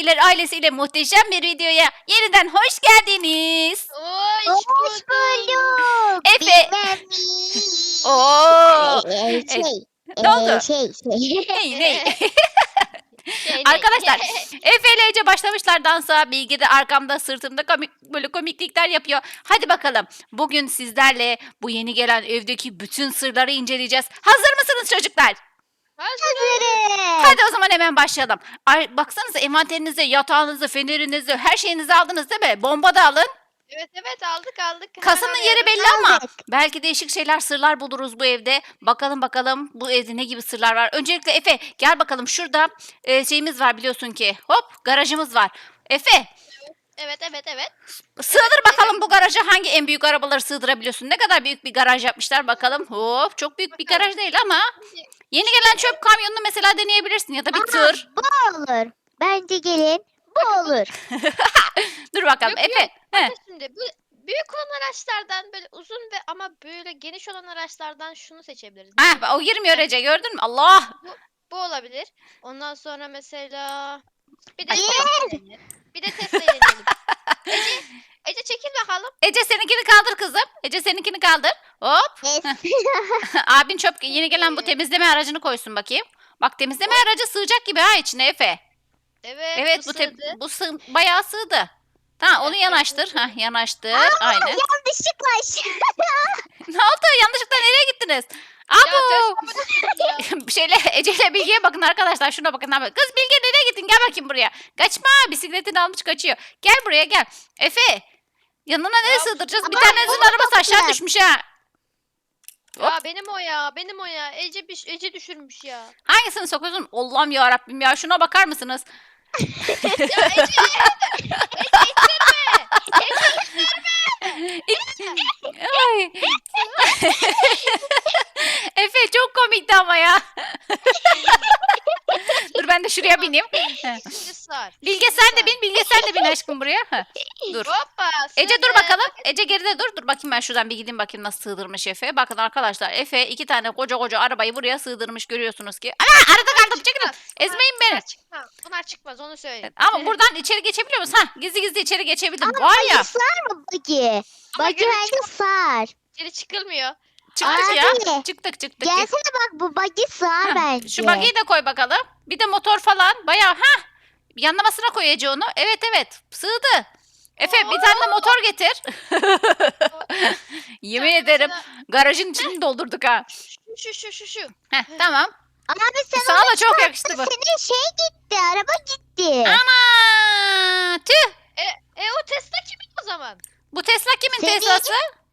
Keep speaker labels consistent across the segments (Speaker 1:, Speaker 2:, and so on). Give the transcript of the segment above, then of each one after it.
Speaker 1: Efe'ler ailesiyle muhteşem bir videoya yeniden hoş geldiniz.
Speaker 2: Hoş bulduk.
Speaker 1: Efe.
Speaker 2: Bilmem
Speaker 1: Oo.
Speaker 2: Şey,
Speaker 1: Ne oldu?
Speaker 2: şey.
Speaker 1: Ney?
Speaker 2: Şey,
Speaker 1: Arkadaşlar Efe ile Ece başlamışlar dansa. Bilge de arkamda sırtımda böyle komiklikler yapıyor. Hadi bakalım. Bugün sizlerle bu yeni gelen evdeki bütün sırları inceleyeceğiz. Hazır mısınız çocuklar?
Speaker 2: Hazırım.
Speaker 1: Hadi o zaman hemen başlayalım. Ay, baksanıza envanterinizi, yatağınızı, fenerinizi, her şeyinizi aldınız değil mi? Bomba da alın.
Speaker 2: Evet aldık.
Speaker 1: Kasanın
Speaker 2: Hemen
Speaker 1: yeri
Speaker 2: arıyorum.
Speaker 1: belli ama
Speaker 2: Aldık.
Speaker 1: belki değişik şeyler, sırlar buluruz bu evde. Bakalım bu evde ne gibi sırlar var. Öncelikle Efe gel bakalım, şurada şeyimiz var biliyorsun ki. Hop, garajımız var. Efe
Speaker 2: Evet.
Speaker 1: sığdır bakalım bu garaja hangi en büyük arabaları sığdırabiliyorsun. Ne kadar büyük bir garaj yapmışlar bakalım. Hop, çok büyük bir
Speaker 2: Bakalım.
Speaker 1: garaj değil ama yeni gelen çöp kamyonunu mesela deneyebilirsin ya da bir tır.
Speaker 2: Bu olur. Bence gelin. Bu olur.
Speaker 1: Dur bakalım
Speaker 3: Yok,
Speaker 1: Efe. He.
Speaker 3: Şimdi bu büyük olan araçlardan böyle uzun ve ama böyle geniş olan araçlardan şunu seçebiliriz.
Speaker 1: Ah, o girmiyor Ece, gördün mü? Allah.
Speaker 3: Bu olabilir. Ondan sonra mesela bir de
Speaker 1: Aç
Speaker 3: Tesla
Speaker 1: bakalım.
Speaker 3: deneyelim. Bir de Tesla deneyelim. Ece çekil bakalım.
Speaker 1: Ece seninkini kaldır kızım. Ece seninkini kaldır. Hop. Abin çöp yeni gelen bu temizleme aracını koysun bakayım. Bak, temizleme aracı sığacak gibi ha içine Efe. Evet bu
Speaker 3: sığdı.
Speaker 1: bayağı sığdı. Tamam, onu
Speaker 3: Evet,
Speaker 1: yanaştır.
Speaker 3: sığdı.
Speaker 1: Hah, yanaştır. Aynen.
Speaker 2: Yanlışlıkla
Speaker 1: Ne oldu? Yanlışlıkla nereye gittiniz?
Speaker 3: Ya
Speaker 1: Abo.
Speaker 3: Tesla mı ya?
Speaker 1: Bir şeyle Ece ile Bilge'ye bakın arkadaşlar. Şuna bakın. Kız Bilge nereye gittin? Gel bakayım buraya. Kaçma. Bisikletini almış kaçıyor. Gel buraya gel. Efe. Yanına nereye
Speaker 3: Ya,
Speaker 1: sığdıracağız? Bir
Speaker 2: ama
Speaker 1: tanenizin
Speaker 2: bunu
Speaker 1: arabası aşağı
Speaker 2: toplayacağız.
Speaker 1: düşmüş ha.
Speaker 3: Ya benim o ya. Ece düşürmüş ya.
Speaker 1: Hangisini sokuyorsun? Allah'ım ya Rabbim ya. Şuna bakar mısınız?
Speaker 3: Ya Ece
Speaker 1: Ay. Efe çok komikti ama ya. Dur ben de şuraya bineyim.
Speaker 3: şimdi sar.
Speaker 1: Bilge
Speaker 3: Şimdi
Speaker 1: sen de
Speaker 3: sar.
Speaker 1: bin. Bilge sen de bin aşkım buraya. Heh, dur.
Speaker 3: Hoppa.
Speaker 1: Ece dur
Speaker 3: sığdı.
Speaker 1: bakalım. Ece geride dur. Dur bakayım, ben şuradan bir gideyim bakayım nasıl sığdırmış Efe. Bakın arkadaşlar, Efe 2 tane koca arabayı buraya sığdırmış, görüyorsunuz ki. Ana, arada kaldım, çekilin.
Speaker 3: Çıkmaz.
Speaker 1: Ezmeyin beni.
Speaker 3: Bunlar çıkmaz onu söyleyeyim.
Speaker 1: Ama buradan içeri geçebiliyor musun? Hah, gizli içeri geçebildim.
Speaker 2: Ama
Speaker 1: Var ya.
Speaker 2: sar mı Bagi?
Speaker 3: Ama
Speaker 2: Bagi
Speaker 3: geri
Speaker 2: bence sar.
Speaker 3: Geri çıkılmıyor.
Speaker 1: Çıktık ya.
Speaker 2: Abi.
Speaker 1: Çıktık.
Speaker 2: Gelsene bak bu Bagi sar
Speaker 1: Hah,
Speaker 2: bence.
Speaker 1: şu buggy'i de koy bakalım. Bir de motor falan. Bayağı yanlamasına koy Ece onu. Evet. Sığdı. Efe bir tane de motor getir. Yemin
Speaker 3: Yani
Speaker 1: ederim
Speaker 3: mesela
Speaker 1: garajın içini doldurduk ha.
Speaker 3: Şu.
Speaker 1: Heh, tamam.
Speaker 2: Abi sen
Speaker 1: Sana
Speaker 2: onu
Speaker 1: da çok yakıştı bu.
Speaker 2: senin şey gitti. Araba gitti.
Speaker 1: Ama tüh.
Speaker 3: O Tesla kimin o zaman?
Speaker 1: Bu Tesla kimin
Speaker 2: Senin.
Speaker 1: Tesla'sı?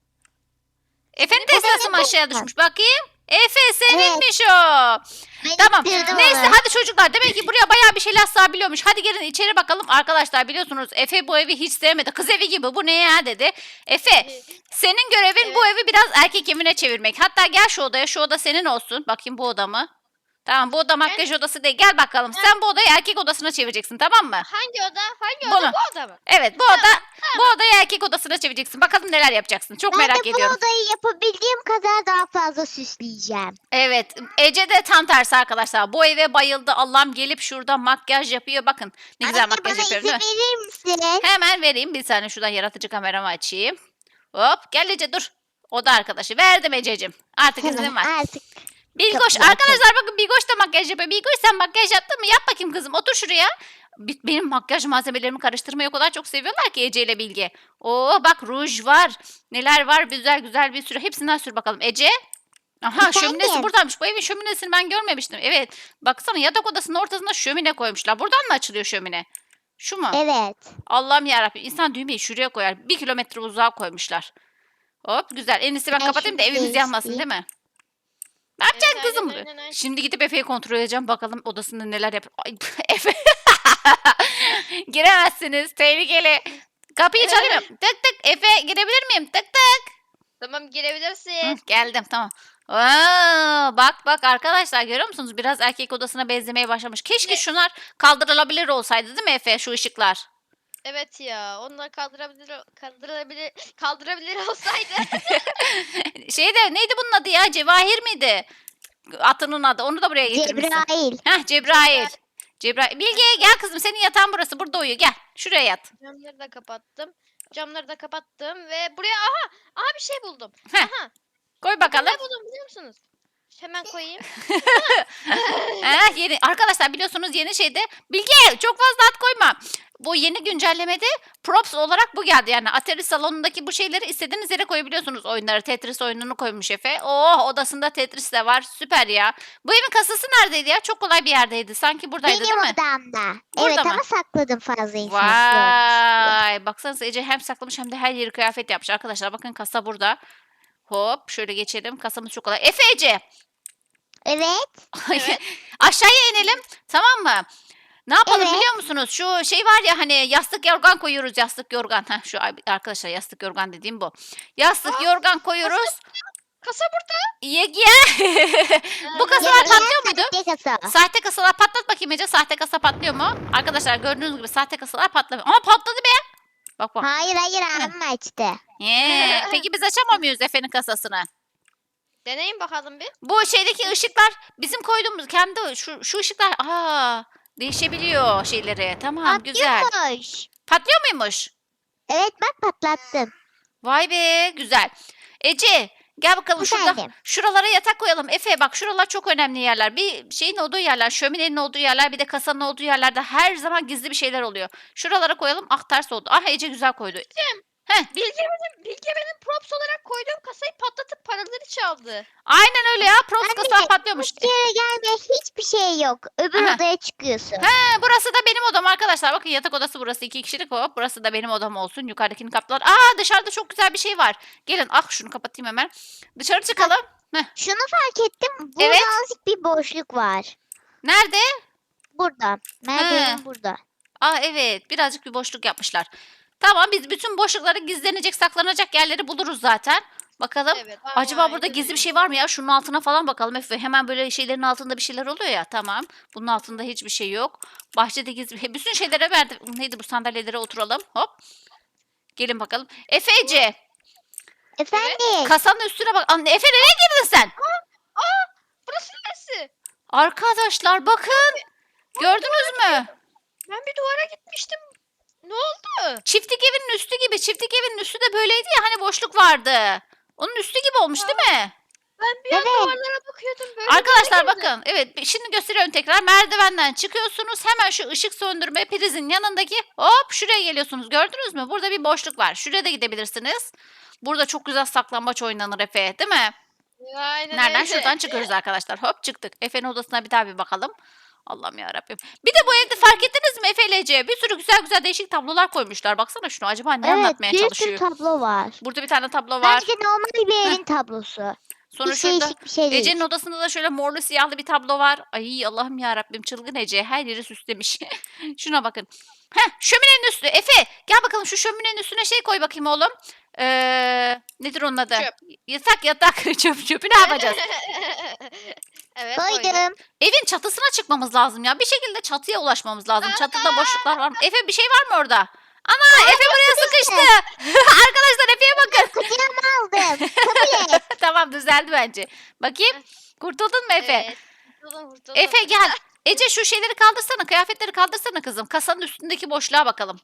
Speaker 1: Efe'nin
Speaker 3: Senin.
Speaker 1: Tesla'sı mı aşağıya düşmüş? Bakayım. Efe seninmiş o.
Speaker 2: Ben
Speaker 1: Tamam.
Speaker 2: ittirdim
Speaker 1: Neyse
Speaker 2: onu.
Speaker 1: hadi çocuklar. Demek ki buraya bayağı bir şeyler sığabiliyormuş. Hadi gelin içeri bakalım. Arkadaşlar biliyorsunuz Efe bu evi hiç sevmedi. Kız evi gibi bu ne ya dedi. Efe senin görevin bu evi biraz erkek evine çevirmek. Hatta gel şu odaya. Şu oda senin olsun. Bakayım bu oda mı? Tamam, bu oda makyaj odası değil. Gel bakalım. Sen bu odayı erkek odasına çevireceksin, tamam mı?
Speaker 3: Hangi oda?
Speaker 1: Bunu.
Speaker 3: Bu oda mı?
Speaker 1: Evet, bu odayı erkek odasına çevireceksin. Bakalım neler yapacaksın. Çok
Speaker 2: Ben
Speaker 1: merak
Speaker 2: de bu
Speaker 1: ediyorum.
Speaker 2: odayı yapabildiğim kadar daha fazla süsleyeceğim.
Speaker 1: Evet, Ece de tam tersi arkadaşlar. Bu eve bayıldı. Allah'ım, gelip şurada makyaj yapıyor. Bakın ne güzel
Speaker 2: Anne
Speaker 1: makyaj
Speaker 2: bana
Speaker 1: yapıyor
Speaker 2: izin
Speaker 1: değil mi?
Speaker 2: verir misin?
Speaker 1: Hemen vereyim. Bir saniye şuradan yaratıcı kameramı açayım. Hop, gel Ece dur. Oda arkadaşı. Verdim Ececiğim. Artık izin var.
Speaker 2: Artık
Speaker 1: Bilgoş,
Speaker 2: Kapıyı
Speaker 1: arkadaşlar bakın, Bilgoş da makyaj yapıyor. Bilgoş, sen makyaj yaptın mı? Yap bakayım kızım. Otur şuraya. Benim makyaj malzemelerimi karıştırmayı o kadar çok seviyorlar ki Ece ile Bilge. Oo bak, ruj var. Neler var? Güzel bir sürü. Hepsinden sür bakalım. Ece. Aha, şöminesi
Speaker 2: Efendim?
Speaker 1: buradaymış. Bu evin şöminesini ben görmemiştim. Evet. Baksana, yatak odasının ortasına şömine koymuşlar. Buradan mı açılıyor şömine? Şu mu?
Speaker 2: evet.
Speaker 1: Allah'ım yarabbim. İnsan düğmeyi şuraya koyar. 1 kilometre uzağa koymuşlar. Hop, güzel. En iyisi ben
Speaker 2: Ben
Speaker 1: kapatayım da
Speaker 2: şunu
Speaker 1: evimiz yanmasın,
Speaker 2: değiştireyim.
Speaker 1: değil mi? Ne yapacaksın
Speaker 3: Evet,
Speaker 1: kızım?
Speaker 3: aynen.
Speaker 1: Şimdi gidip Efe'yi kontrol edeceğim. Bakalım odasında neler yapıyor. Ay, Efe. Giremezsiniz. Tehlikeli. Kapıyı çalayım. Tık tık. Efe, girebilir miyim? Tık tık.
Speaker 3: Tamam
Speaker 1: Hı,
Speaker 3: girebilirsin.
Speaker 1: geldim, tamam. Aa, bak arkadaşlar, görüyor musunuz? Biraz erkek odasına benzemeye başlamış. Keşke
Speaker 3: Ne?
Speaker 1: şunlar kaldırılabilir olsaydı, değil mi Efe, şu ışıklar?
Speaker 3: Evet ya. Onlar kaldırabilir olsaydı.
Speaker 1: Neydi bunun adı ya? Cevahir miydi? Atının adı. Onu da buraya getirmişsin.
Speaker 2: Cebrail.
Speaker 1: Heh, Cebrail. Cebrail. Bilge gel kızım, senin yatağın burası. Burada uyu, gel. Şuraya yat.
Speaker 3: Camları da kapattım. Camları da kapattım ve buraya aha bir şey buldum.
Speaker 1: Heh.
Speaker 3: Aha.
Speaker 1: Koy bakalım.
Speaker 3: Ne buldum biliyor musunuz? Hemen koyayım.
Speaker 1: Yeni arkadaşlar, biliyorsunuz yeni şeyde Bilge çok fazla at koyma. Bu yeni güncellemede props olarak bu geldi. Yani Atari salonundaki bu şeyleri istediğiniz yere koyabiliyorsunuz oyunları. Tetris oyununu koymuş Efe. Oh, odasında Tetris de var. Süper ya. Bu evin kasası neredeydi ya? Çok kolay bir yerdeydi. Sanki buradaydı
Speaker 2: Benim
Speaker 1: değil mi?
Speaker 2: odamda.
Speaker 1: Burada
Speaker 2: Evet
Speaker 1: mı?
Speaker 2: ama sakladım fazla insan görmesin diye.
Speaker 1: Vay. Baksanıza Ece hem saklamış hem de her yeri kıyafet yapmış. Arkadaşlar bakın, kasa burada. Hop şöyle geçelim. Kasamız çok kolay. Efe, Ece.
Speaker 2: Evet.
Speaker 3: Evet.
Speaker 1: Aşağıya inelim. Tamam mı? Ne yapalım
Speaker 2: Evet.
Speaker 1: biliyor musunuz? Şu şey var ya, hani yastık yorgan koyuyoruz, yastık yorgan. Heh, şu arkadaşlar yastık yorgan dediğim bu. Yastık yorgan koyuyoruz.
Speaker 3: Kasa burada.
Speaker 1: Yege. Bu kasalar
Speaker 2: Ya,
Speaker 1: patlıyor muydu?
Speaker 2: sahte kasa.
Speaker 1: Sahte kasalar patlat bakayım Ece. Sahte kasa patlıyor mu? Arkadaşlar gördüğünüz gibi sahte kasalar patlamıyor. Ama patladı be. Bak bak.
Speaker 2: Hayır abim açtı.
Speaker 1: Peki biz açamıyor muyuz Efe'nin kasasını?
Speaker 3: Deneyin bakalım bir.
Speaker 1: Bu şeydeki ışıklar bizim koyduğumuz kendi şu ışıklar değişebiliyor şeyleri. Tamam, güzel.
Speaker 2: Patlıyormuş.
Speaker 1: Patlıyor muymuş?
Speaker 2: Evet bak patlattım.
Speaker 1: Vay be, güzel. Ece gel bakalım şurada.
Speaker 2: Efendim?
Speaker 1: Şuralara yatak koyalım. Efe bak, şuralar çok önemli yerler. Bir şeyin olduğu yerler, şöminenin olduğu yerler, bir de kasanın olduğu yerlerde her zaman gizli bir şeyler oluyor. Şuralara koyalım. Ah, ters oldu. Ah, Ece güzel koydu.
Speaker 3: Bilge benim props olarak koyduğum kasayı patlatıp paraları çaldı.
Speaker 1: Aynen öyle ya. Props
Speaker 2: Anne,
Speaker 1: kasalar patlıyormuş.
Speaker 2: Bir yere gelme hiçbir şey yok. Öbür
Speaker 1: Aha.
Speaker 2: odaya çıkıyorsun.
Speaker 1: Burası da benim odam arkadaşlar. Bakın yatak odası burası. 2 kişilik hop. Burası da benim odam olsun. Yukarıdakini kaplar. Dışarıda çok güzel bir şey var. Gelin. Şunu kapatayım hemen. Dışarı çıkalım.
Speaker 2: Şunu fark ettim. Burada
Speaker 1: Evet.
Speaker 2: azıcık bir boşluk var.
Speaker 1: Nerede?
Speaker 2: Burada. Merdivenin burada.
Speaker 1: Evet. Birazcık bir boşluk yapmışlar. Tamam, biz bütün boşlukları, gizlenecek, saklanacak yerleri buluruz zaten. Bakalım.
Speaker 3: Evet.
Speaker 1: Acaba burada gizli bir şey var mı ya? Şunun altına falan bakalım. Efe, hemen böyle şeylerin altında bir şeyler oluyor ya. Tamam. Bunun altında hiçbir şey yok. Bahçede gizli. Bütün şeylere verdi. Neydi bu, sandalyelere oturalım. Hop. Gelin bakalım. Ece.
Speaker 2: Efendim?
Speaker 1: Kasanın üstüne bak. Anne, Efe nereye girdin sen?
Speaker 3: Burası neresi?
Speaker 1: Arkadaşlar bakın. Gördünüz mü?
Speaker 3: Ben bir duvara gitmiştim. Ne oldu?
Speaker 1: Çiftlik evinin üstü gibi. Çiftlik evinin üstü de böyleydi ya, hani boşluk vardı. Onun üstü gibi olmuş değil mi?
Speaker 3: Ben bir an
Speaker 2: Evet.
Speaker 3: duvarlara bakıyordum. Böyle
Speaker 1: Arkadaşlar
Speaker 3: duvara girdim.
Speaker 1: bakın. Evet, şimdi gösteriyorum tekrar. Merdivenden çıkıyorsunuz. Hemen şu ışık söndürme prizin yanındaki hop şuraya geliyorsunuz. Gördünüz mü? Burada bir boşluk var. Şuraya da gidebilirsiniz. Burada çok güzel saklambaç oynanır Efe, değil mi?
Speaker 3: Aynen
Speaker 1: Nereden?
Speaker 3: öyle.
Speaker 1: Şuradan çıkıyoruz arkadaşlar. Hop çıktık. Efe'nin odasına bir daha bir bakalım. Allah'ım yarabbim. Bir de bu evde fark ettiniz mi Efe ile Ece? Bir sürü güzel güzel değişik tablolar koymuşlar. Baksana şunu. Acaba ne
Speaker 2: Evet
Speaker 1: anlatmaya
Speaker 2: bir sürü
Speaker 1: çalışıyor?
Speaker 2: tablo var.
Speaker 1: Burada bir tane tablo var.
Speaker 2: Bence normal bir evin tablosu.
Speaker 1: Sonra
Speaker 2: Hiç
Speaker 1: şurada
Speaker 2: değişik bir şey değil.
Speaker 1: Ece'nin odasında da şöyle morlu siyahlı bir tablo var. Ay Allah'ım yarabbim, çılgın Ece her yeri süslemiş. Şuna bakın. Şöminenin üstü. Efe gel bakalım, şu şöminenin üstüne şey koy bakayım oğlum. Nedir onun adı?
Speaker 3: Çöp.
Speaker 1: Yatak. Çöpü ne yapacağız?
Speaker 3: Evet koydum.
Speaker 2: Koydum.
Speaker 1: Evin çatısına çıkmamız lazım ya. Bir şekilde çatıya ulaşmamız lazım. Çatıda boşluklar var mı? Efe bir şey var mı orada? Ana, Efe buraya sıkıştı. Arkadaşlar Efe'ye bakın.
Speaker 2: Kucağıma aldım. Kabul et.
Speaker 1: Tamam, düzeldi bence. Bakayım. Kurtuldun mu Efe?
Speaker 3: Evet. Kurtuldum.
Speaker 1: Efe gel. Ece şu şeyleri kaldırsana. Kıyafetleri kaldırsana kızım. Kasanın üstündeki boşluğa bakalım.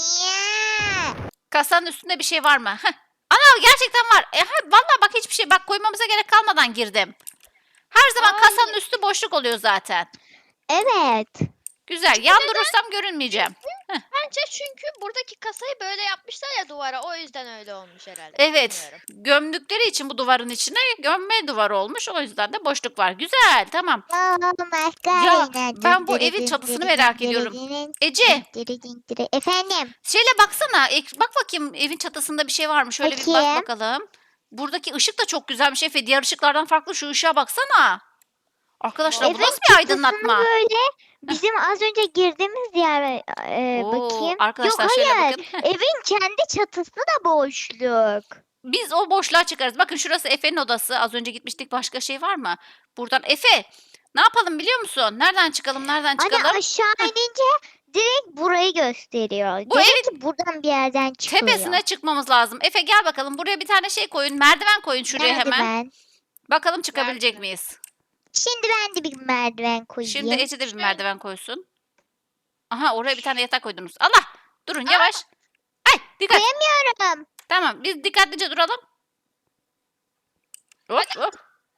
Speaker 2: Ya.
Speaker 1: Kasanın üstünde bir şey var mı? Ana, gerçekten var. Vallahi bak, hiçbir şey. Bak, koymamıza gerek kalmadan girdim. Her zaman
Speaker 3: Ay.
Speaker 1: kasanın üstü boşluk oluyor zaten.
Speaker 2: Evet.
Speaker 1: Güzel. Yan durursam görünmeyeceğim.
Speaker 3: Bence çünkü buradaki kasayı böyle yapmışlar ya duvara. O yüzden öyle olmuş herhalde.
Speaker 1: Evet.
Speaker 3: Bilmiyorum.
Speaker 1: Gömdükleri için bu duvarın içine gömme duvarı olmuş. O yüzden de boşluk var. Güzel. Tamam. Ben bu evin çatısını merak ediyorum. Ece,
Speaker 2: Efendim.
Speaker 1: şöyle baksana. Bak bakayım, evin çatısında bir şey var mı? Şöyle bir bak
Speaker 2: Bakayım.
Speaker 1: bakalım. Buradaki ışık da çok güzelmiş Efe. Diğer ışıklardan farklı, şu ışığa baksana. Arkadaşlar bu
Speaker 2: Evin
Speaker 1: nasıl bir aydınlatma?
Speaker 2: çatısını böyle bizim az önce girdiğimiz yer
Speaker 1: Oo,
Speaker 2: bakayım.
Speaker 1: arkadaşlar
Speaker 2: Yok
Speaker 1: şöyle
Speaker 2: hayır.
Speaker 1: bakın.
Speaker 2: Evin kendi çatısı da boşluk.
Speaker 1: Biz o boşluğa çıkarız. Bakın şurası Efe'nin odası. Az önce gitmiştik. Başka şey var mı? Buradan Efe, ne yapalım biliyor musun? Nereden çıkalım? Nereden çıkalım?
Speaker 2: Hani aşağı inince direkt burayı gösteriyor.
Speaker 1: Bu
Speaker 2: Demek ki buradan bir yerden çıkıyor.
Speaker 1: Tepesine çıkmamız lazım. Efe gel bakalım. Buraya bir tane şey koyun. Merdiven koyun şuraya hemen.
Speaker 2: Merdiven.
Speaker 1: Bakalım çıkabilecek
Speaker 3: Merdiven.
Speaker 1: miyiz?
Speaker 2: Şimdi ben de bir merdiven koyayım.
Speaker 1: Şimdi Ece de bir merdiven koysun. Aha oraya bir tane yatak koydunuz. Allah! Durun yavaş. Ay dikkat.
Speaker 2: Koyamıyorum.
Speaker 1: Tamam biz dikkatlice duralım. Hop hop.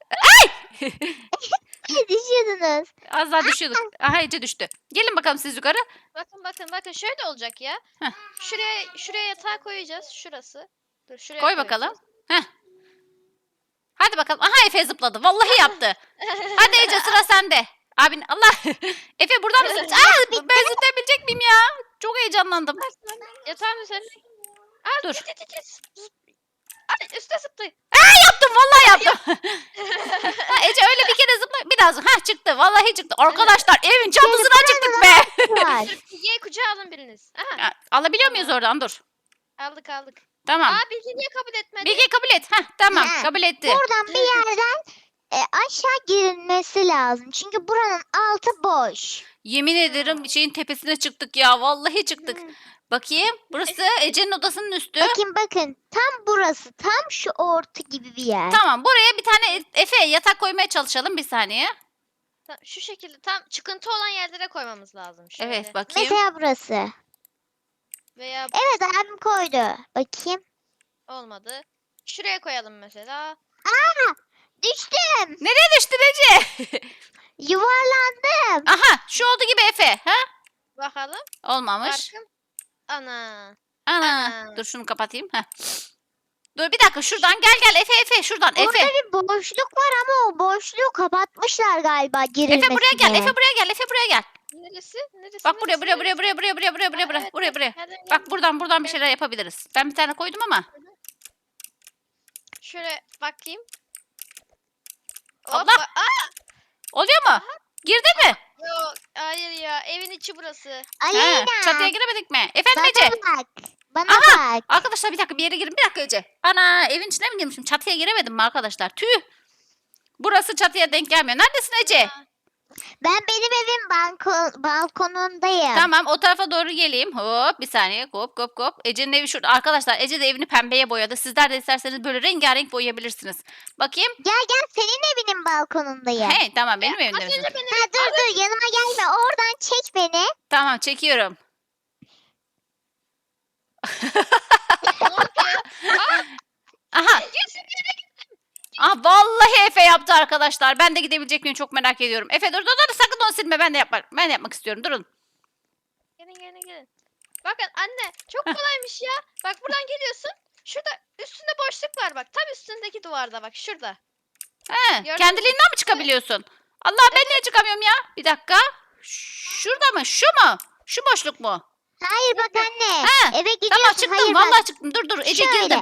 Speaker 2: Düşüyordunuz.
Speaker 1: Az daha düşüyorduk. Aha Ece düştü. Gelin bakalım siz yukarı.
Speaker 3: Bakın şöyle olacak ya.
Speaker 1: Heh.
Speaker 3: Şuraya yatağı koyacağız. Şurası. Dur şuraya
Speaker 1: Koy
Speaker 3: koyacağız.
Speaker 1: bakalım. Heh. Hadi bakalım. Aha Efe zıpladı. Vallahi yaptı. Hadi Ece sıra sende. Abin Allah. Efe buradan mı zıplayacaksın? Ben zıplayabilecek miyim ya? Çok heyecanlandım.
Speaker 3: Yatağın üzerine. Aa,
Speaker 1: Dur.
Speaker 3: Ay üstte zıptı.
Speaker 1: Yaptım vallahi yaptım. Ha, Ece öyle bir kere zıpla. Biraz. Ha çıktı. Vallahi çıktı. Arkadaşlar evin çatısına çıktık be.
Speaker 2: Var.
Speaker 3: Ye kucağa alın biriniz. Aha,
Speaker 1: Ya, alabiliyor muyuz oradan? Dur.
Speaker 3: aldık.
Speaker 1: Tamam.
Speaker 3: Aa Bilge niye kabul etmedi?
Speaker 1: Bilge kabul et. Heh, tamam
Speaker 2: Ha.
Speaker 1: kabul etti.
Speaker 2: Buradan bir yerden aşağı girilmesi lazım. Çünkü buranın altı boş.
Speaker 1: Yemin ederim şeyin tepesine çıktık ya. Vallahi çıktık. Bakayım. Burası Ece'nin odasının üstü.
Speaker 2: Bakın. Tam burası. Tam şu orta gibi bir yer.
Speaker 1: Tamam buraya bir tane Efe yatak koymaya çalışalım bir saniye.
Speaker 3: Şu şekilde tam çıkıntı olan yerlere koymamız lazım. Şöyle.
Speaker 1: Evet bakayım.
Speaker 2: Mesela burası.
Speaker 3: Veya
Speaker 2: Evet abim koydu. Bakayım.
Speaker 3: olmadı. Şuraya koyalım mesela.
Speaker 2: Düştüm.
Speaker 1: Nereye düştün Ece?
Speaker 2: Yuvarlandım.
Speaker 1: Aha şu oldu gibi Efe. Ha?
Speaker 3: Bakalım.
Speaker 1: Olmamış.
Speaker 3: Farkım. Ana.
Speaker 1: Ana.
Speaker 3: Ana.
Speaker 1: Dur şunu kapatayım. Heh. Dur bir dakika şuradan gel Efe şuradan
Speaker 2: Burada
Speaker 1: Efe.
Speaker 2: bir boşluk var ama o boşluğu kapatmışlar galiba girilmesine.
Speaker 1: Efe buraya gel Efe buraya gel.
Speaker 3: Neresi?
Speaker 1: Bak buraya
Speaker 3: neresi?
Speaker 1: buraya.
Speaker 3: Nereden
Speaker 1: Bak buradan bir şeyler yapabiliriz. Ben bir tane koydum ama.
Speaker 3: Şöyle bakayım.
Speaker 1: Allah!
Speaker 3: Hoppa. Aa,
Speaker 1: Oluyor mu? Girdi mi?
Speaker 3: yok. Hayır ya. Evin içi burası.
Speaker 2: Aleyna.
Speaker 1: He, çatıya giremedik mi? Efendim
Speaker 2: Bana
Speaker 1: Ece.
Speaker 2: bak. Bana
Speaker 1: Aha!
Speaker 2: bak.
Speaker 1: Arkadaşlar bir dakika bir yere girin. Bir dakika Ece. Ana evin içine mi girmişim? Çatıya giremedim mi arkadaşlar? Tüh. Burası çatıya denk gelmiyor. Neredesin Ece?
Speaker 2: Ben benim evin balkonundayım.
Speaker 1: Tamam o tarafa doğru geleyim. Hop bir saniye. Hop. Ece'nin evi şurada. Arkadaşlar Ece de evini pembeye boyadı. Sizler de isterseniz böyle rengarenk boyayabilirsiniz. Bakayım.
Speaker 2: Gel senin evinin balkonundayım.
Speaker 1: Hey tamam benim
Speaker 3: Az
Speaker 1: evimde misin?
Speaker 3: önce benim
Speaker 2: Ha, dur yanıma gelme. Oradan çek beni.
Speaker 1: Tamam çekiyorum.
Speaker 3: ne oldu ya?
Speaker 1: Aha. Ah vallahi Efe yaptı arkadaşlar. Ben de gidebilecek miyim çok merak ediyorum. Efe dur sakın onu silme. Ben de yapmak istiyorum. Durun.
Speaker 3: Gelin. Bakın anne çok kolaymış ya. Bak buradan geliyorsun. Şurada üstünde boşluk var bak. Tam üstündeki duvarda bak şurada.
Speaker 1: He,
Speaker 3: Gördün mü?
Speaker 1: kendiliğinden mi çıkabiliyorsun? Allah ben niye çıkamıyorum ya? Bir dakika. Şurada mı? Şu mu? Şu boşluk mu?
Speaker 2: Hayır bak anne.
Speaker 1: Ha,
Speaker 2: Eve gidiyorsun.
Speaker 1: Tamam çıktım.
Speaker 2: Hayır
Speaker 1: Vallahi
Speaker 2: bak.
Speaker 1: çıktım. Dur Ece
Speaker 2: Şöyle.
Speaker 1: girdim.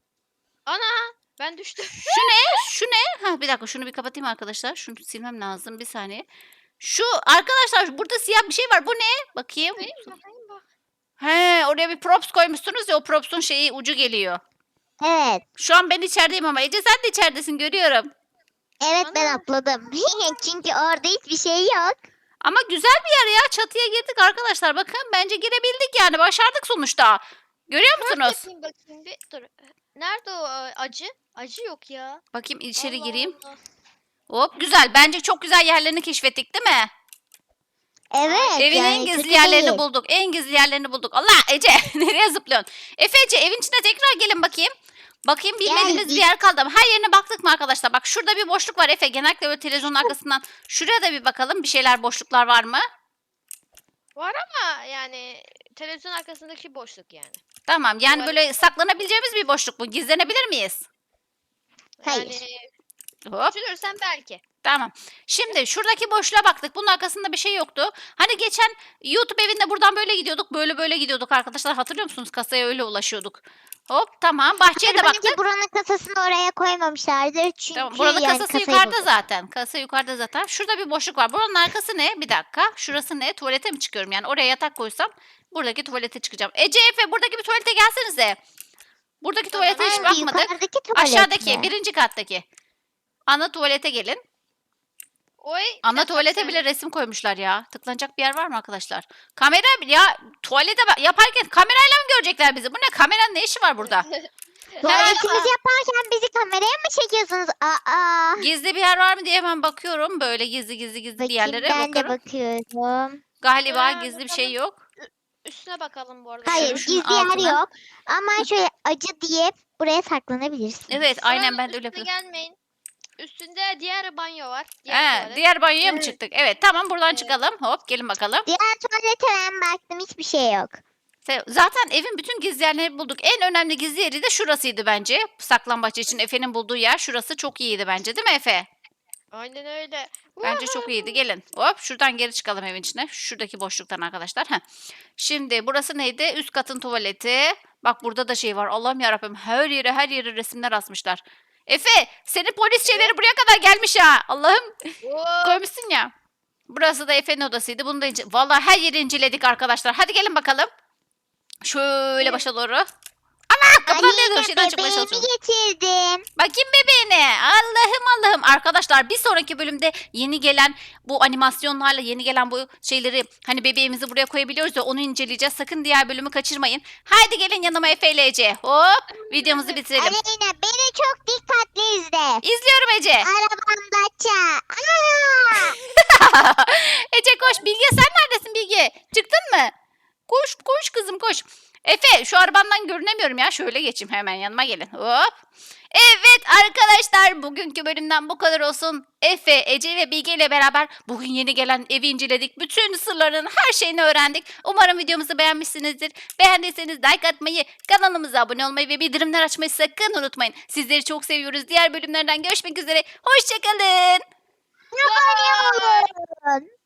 Speaker 3: Ana ben düştüm.
Speaker 1: Şu ne? Şu ne? Ha bir dakika şunu bir kapatayım arkadaşlar. Şunu silmem lazım bir saniye. Şu arkadaşlar burada siyah bir şey var. Bu ne? Bakayım.
Speaker 3: Bakayım bak.
Speaker 1: He oraya bir props koymuşsunuz ya o props'un şeyi ucu geliyor.
Speaker 2: Evet.
Speaker 1: Şu an ben içerideyim ama Ece sen de içeridesin görüyorum.
Speaker 2: Evet ben
Speaker 3: Ana.
Speaker 2: atladım. Çünkü orada hiçbir şey yok.
Speaker 1: Ama güzel bir yer ya. Çatıya girdik arkadaşlar. Bakın bence girebildik yani. Başardık sonuçta. Görüyor musunuz?
Speaker 3: Bakayım bir dur. Nerede o acı? Acı yok ya.
Speaker 1: Bakayım içeri
Speaker 3: Allah
Speaker 1: gireyim.
Speaker 3: Allah.
Speaker 1: Hop güzel. Bence çok güzel yerlerini keşfettik değil mi?
Speaker 2: Evet.
Speaker 1: Evin en
Speaker 2: yani
Speaker 1: gizli
Speaker 2: kötü
Speaker 1: yerlerini
Speaker 2: değil.
Speaker 1: bulduk. En gizli yerlerini bulduk. Allah Ece nereye zıplıyorsun? Efe Ece evin içine tekrar gelin bakayım. Bakayım bilmediğimiz bir
Speaker 2: Geldik.
Speaker 1: yer kaldı mı? Her yerine baktık mı arkadaşlar? Bak şurada bir boşluk var Efe. Genellikle böyle televizyonun arkasından. Şuraya da bir bakalım. Bir şeyler boşluklar var mı?
Speaker 3: Var ama yani televizyon arkasındaki boşluk yani.
Speaker 1: Tamam yani
Speaker 3: Var.
Speaker 1: böyle saklanabileceğimiz bir boşluk mu? Gizlenebilir miyiz?
Speaker 2: Hayır.
Speaker 3: Yani
Speaker 1: Hop.
Speaker 3: düşünürsen belki.
Speaker 1: Tamam. Şimdi şuradaki boşluğa baktık. Bunun arkasında bir şey yoktu. Hani geçen YouTube evinde buradan böyle gidiyorduk. Böyle gidiyorduk arkadaşlar. Hatırlıyor musunuz? Kasaya öyle ulaşıyorduk. Hop tamam. Bahçeye de baktık.
Speaker 2: Bence buranın kasasını oraya koymamışlardır. Çünkü
Speaker 1: Tamam. Buranın
Speaker 2: yani
Speaker 1: kasası
Speaker 2: kasayı
Speaker 1: yukarıda
Speaker 2: bulduk.
Speaker 1: zaten. Kasa yukarıda zaten. Şurada bir boşluk var. Buranın arkası ne? Bir dakika. Şurası ne? Tuvalete mi çıkıyorum? Yani oraya yatak koysam buradaki tuvalete çıkacağım. Ece Efe buradaki bir tuvalete gelsenize. Buradaki tuvalete hiç
Speaker 2: Hangi,
Speaker 1: bakmadık.
Speaker 2: yukarıdaki tuvalet
Speaker 1: Aşağıdaki
Speaker 2: mi?
Speaker 1: birinci kattaki. Ana tuvalete gelin.
Speaker 3: Oy.
Speaker 1: Ana tuvalete bile resim koymuşlar ya. Tıklanacak bir yer var mı arkadaşlar? Kamera ya tuvalete yaparken kamerayla mı görecekler bizi? Bu ne? Kameranın ne işi var burada?
Speaker 2: Tuvaletimizi yaparken bizi kameraya mı çekiyorsunuz? Aa.
Speaker 1: Gizli bir yer var mı diye hemen bakıyorum. Böyle gizli bir
Speaker 2: Bakayım
Speaker 1: yerlere
Speaker 2: ben de
Speaker 1: bakıyorum.
Speaker 2: bakıyorum.
Speaker 1: Galiba
Speaker 3: Ha,
Speaker 1: gizli bir
Speaker 3: bakalım.
Speaker 1: şey yok.
Speaker 3: Üstüne bakalım bu arada.
Speaker 2: Hayır,
Speaker 1: Şunun
Speaker 2: gizli yer
Speaker 1: altına.
Speaker 2: yok. Ama şöyle acı diye buraya saklanabilirsin.
Speaker 1: Evet aynen
Speaker 3: Buranın
Speaker 1: ben de öyle
Speaker 3: üstüne
Speaker 1: yapıyorum.
Speaker 3: gelmeyin. Üstünde diğer banyo var. Diğer tuvalet.
Speaker 1: Diğer banyoya mı
Speaker 2: Evet.
Speaker 1: çıktık? Evet tamam buradan
Speaker 3: Evet.
Speaker 1: çıkalım. Hop gelin bakalım.
Speaker 2: Diğer tuvalete ben baktım, hiçbir şey yok.
Speaker 1: Zaten evin bütün gizli yerlerini bulduk. En önemli gizli yeri de şurasıydı bence. Saklambaç için Efe'nin bulduğu yer şurası çok iyiydi bence değil mi Efe?
Speaker 3: Aynen öyle.
Speaker 1: Bence çok iyiydi. Gelin. Hop şuradan geri çıkalım evin içine. Şuradaki boşluktan arkadaşlar. Heh. Şimdi burası neydi? Üst katın tuvaleti. Bak burada da şey var. Allah'ım yarabbim. Her yere resimler asmışlar. Efe senin polis şeyleri buraya kadar gelmiş ha. Allah'ım
Speaker 3: Oo,
Speaker 1: koymuşsun ya. Burası da Efe'nin odasıydı. Bunu da vallahi her yeri inceledik arkadaşlar. Hadi gelin bakalım. Şöyle
Speaker 3: Evet.
Speaker 1: başa doğru. Allah kapıdan
Speaker 2: Aleyna,
Speaker 1: ne şeyden çıkmaya
Speaker 2: bebeğimi
Speaker 1: çalışıyorum.
Speaker 2: getirdim.
Speaker 1: Bakayım bebeğine. Allah'ım. Arkadaşlar bir sonraki bölümde yeni gelen bu animasyonlarla yeni gelen bu şeyleri hani bebeğimizi buraya koyabiliyoruz ya onu inceleyeceğiz. Sakın diğer bölümü kaçırmayın. Haydi gelin yanıma Efe ile Ece. Hop videomuzu bitirelim.
Speaker 2: Aleyna, beni çok dikkatli izle.
Speaker 1: İzliyorum Ece.
Speaker 2: Arabamda ça.
Speaker 1: Ece koş. Bilge sen neredesin Bilge? Çıktın mı? Koş kızım koş. Efe şu arabandan görünemiyorum ya. Şöyle geçeyim hemen yanıma gelin. Hop. Evet arkadaşlar bugünkü bölümden bu kadar olsun. Efe, Ece ve Bilge ile beraber bugün yeni gelen evi inceledik. Bütün sırların her şeyini öğrendik. Umarım videomuzu beğenmişsinizdir. Beğendiyseniz like atmayı, kanalımıza abone olmayı ve bildirimler açmayı sakın unutmayın. Sizleri çok seviyoruz. Diğer bölümlerden görüşmek üzere. Hoşçakalın.
Speaker 2: Ne yapıyorsun?